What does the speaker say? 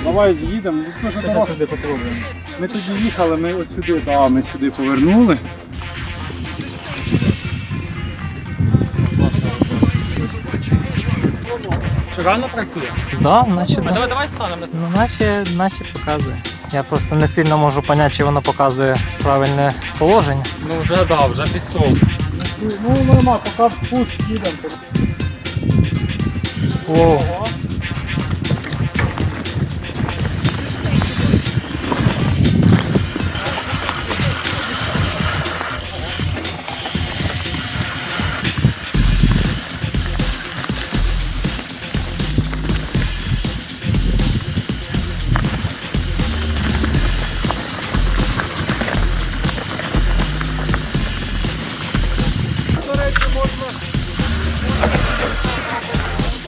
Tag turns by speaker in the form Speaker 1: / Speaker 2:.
Speaker 1: Давай з'їдемо. Ми тоді їхали, ми от сюди, да, ми сюди повернули.
Speaker 2: Чи реально працює?
Speaker 3: Да, наче,
Speaker 2: А
Speaker 3: да.
Speaker 2: давай станемо.
Speaker 3: Ну, наче показує. Я просто не сильно можу зрозуміти, чи воно показує правильне положення.
Speaker 2: Ну вже да, вже пішов.
Speaker 1: Ну нормально, поки в спуск їдемо.
Speaker 3: Воу.